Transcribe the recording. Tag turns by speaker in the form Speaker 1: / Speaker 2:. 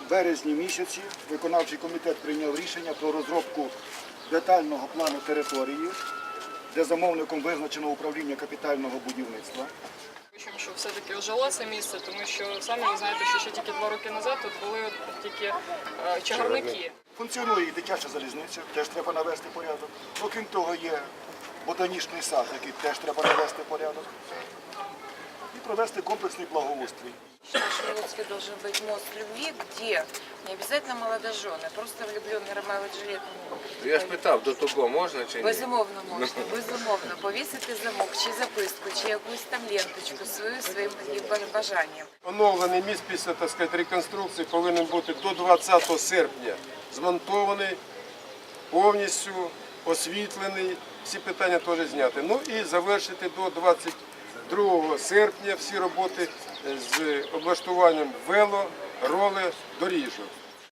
Speaker 1: березні місяці виконавчий комітет прийняв рішення про розробку детального плану території, де замовником визначено управління капітального будівництва.
Speaker 2: Що все-таки ожило це місце, тому що самі ви знаєте, що ще тільки 2 роки назад тут були тільки чагарники.
Speaker 1: Функціонує і дитяча залізниця, теж треба навести порядок. Окрім того, є ботанічний сад, який теж треба навести порядок. І провести комплексний благоустрій.
Speaker 3: В Шиловске должен быть мост любви, где не обязательно молодожены, просто влюбленный Ромео и Джульетта.
Speaker 4: Я ж питав, до того можна чи ні?
Speaker 3: Безумовно можна, безумовно. Повісити замок, чи записку, чи якусь там ленточку своїм бажанням.
Speaker 5: Оновлений міст після, так сказати, реконструкції повинен бути до 20 серпня змонтований, повністю освітлений, всі питання теж зняти. Ну і завершити до 22 серпня всі роботи з облаштуванням вело, роли, доріжок.